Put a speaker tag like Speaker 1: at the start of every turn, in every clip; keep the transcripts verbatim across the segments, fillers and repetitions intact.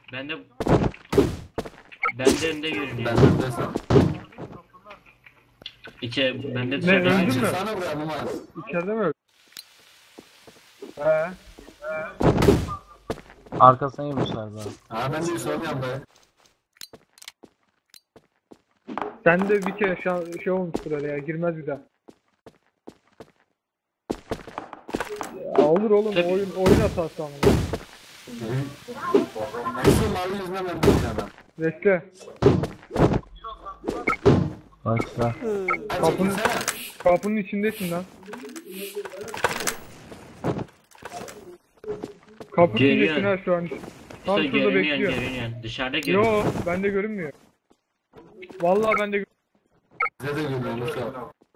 Speaker 1: Ben de ben de önde görünüyor.
Speaker 2: Ben de desem.
Speaker 1: İçe ben de
Speaker 3: Ne,
Speaker 1: dışarıda.
Speaker 3: öldün mü?
Speaker 2: Sana buraya Numan.
Speaker 3: İçeride mi öldün? He.
Speaker 4: Arkasına girmişler daha.
Speaker 2: Ha ben de bir sormuyorum be.
Speaker 3: Sen de bir kere şan, şey olmuştur öyle ya, girmez bir daha. Ya olur oğlum,
Speaker 1: Tabii.
Speaker 3: oyun oyun hatası ama.
Speaker 2: Nasıl mavi yüzünden ben de adam.
Speaker 3: Bekle.
Speaker 4: Başla.
Speaker 2: Hadi
Speaker 3: Kapının,
Speaker 2: çekilsene.
Speaker 3: kapının içindesin lan. Kapının
Speaker 1: Görüyor.
Speaker 3: içindesin ha şu an. Tam
Speaker 1: İşte
Speaker 3: şurada
Speaker 1: görünüyor
Speaker 3: bekliyor.
Speaker 1: görünüyor. Dışarıda görünüyor.
Speaker 3: Yo, bende görünmüyor. Vallahi bende gö-
Speaker 2: Bize de gülüyor Musa.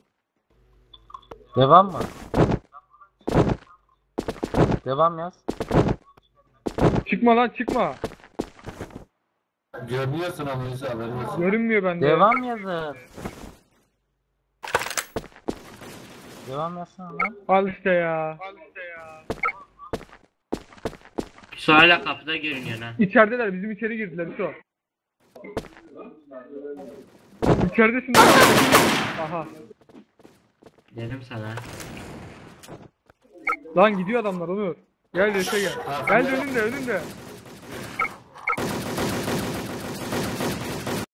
Speaker 4: Devam mı? Devam yaz.
Speaker 3: Çıkma lan, çıkma.
Speaker 2: Görünüyorsun ama Musa haberin olsun.
Speaker 3: Görünmüyor bende.
Speaker 4: Devam yazın. Devam yazsana lan.
Speaker 3: Al işte ya.
Speaker 1: Şu hala kapıda görünüyor ha.
Speaker 3: İçerideler, bizim içeri girdiler şu an. İçeridesin lan. Aha.
Speaker 1: Dedim sana.
Speaker 3: Lan gidiyor adamlar Onur. Gel Reşe gel. Gel önünde önünde.